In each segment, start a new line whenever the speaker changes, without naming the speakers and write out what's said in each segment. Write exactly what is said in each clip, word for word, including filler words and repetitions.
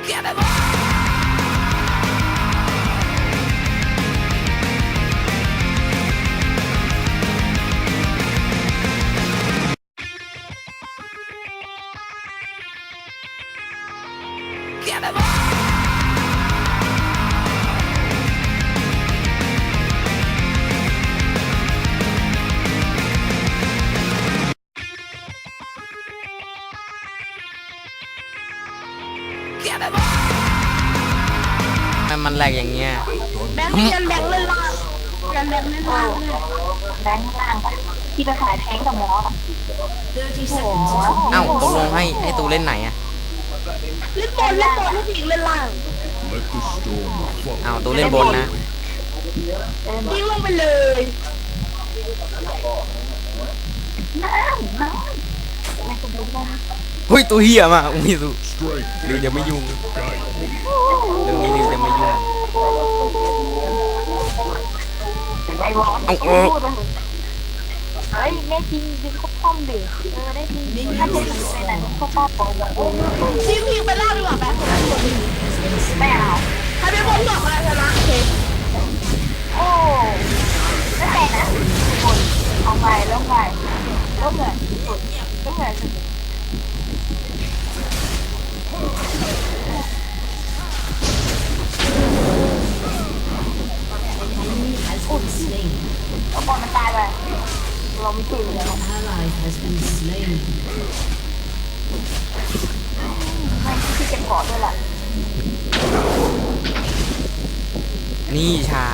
มันแหลกอย่างเงี้ย
แบงค์ยันแบงค์เลยล่ะยันแบงค์เลยล่ะ
แบงค์ล่างที่ไปขายแทงกับหมอ
เอ้าตกลงให้ให้ตูเล่นไหนอะ
เล่นบอลเล่นบอลให้ผู้หญิงเล่นล่าง
เอ้าตูเล่นบนนะ
ยิงลงไปเลย
น้ำน้ำไม่ต้องรู้ว่า
เฮ้ยตัวเหี้ยมากอุ้ยตูเดี๋ยวจะไม่ยุ่งเรื่องนี้เดี๋ยวจะไม่ยุ่ง
เอาเออเฮ้ยแม่จริงจริงเขาป้อมดิเออได้จริงถ้าเป็นไปไหนเขาป้อม
ยิงยิงไปล่างดีกว่าแบงค์
ไม่เอา
ใครเป็นบอลบอกมาชนะเค้ก
โอ้ไม่แต่นะคนเอาไปแล้วไงแล้วเหมือนสุดแล้วเหมือนสุดเอาบอลมันตายไปเราไม่ตื่นเลยไม่ที่เก็บกอดด้วยแหละ
นี่ชา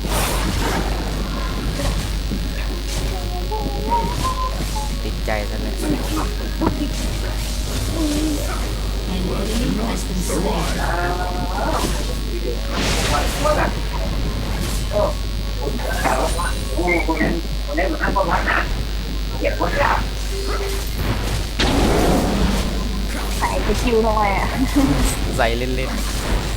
ติดใจซะเลย
ใส่ไปคิวหน่อยอ่ะ
ใส่เล่นๆ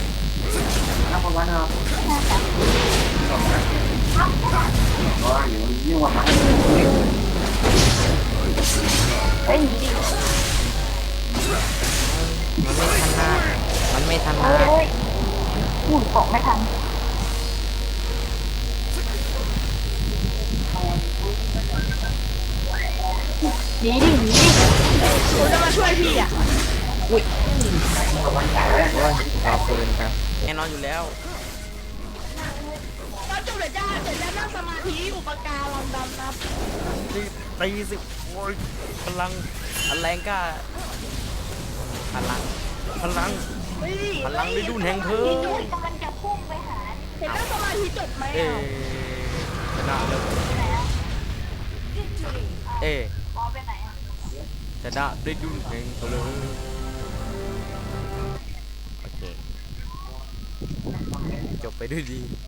เฮ้ยดี
มันไม่ทันนะมันไม่ทันนะ
เฮ้ยหุ่นเกาะไม่ทันหนีดิหนีดิ
ผมจะมาช่วยพี่อ่ะ
อุ้ยโอ้ยขอบคุณครับแน่นอนอยู่แล้ว
ก็จบเลยจ้าเสร็จแล้วนั่งสมาธิอุปการังดำนับ
ตีสิโอ้ยพลังอันแรงกล้าพลังพลังพลังฤดูแห่งเพลิง
กำลังจะพุ่งไปหา
เห็นนั่งสมาธิจบไหม
เอ๊ชนะเลยเอ๊ชนะฤดูแห่งเพลิงโอเคจบไปด้วยดี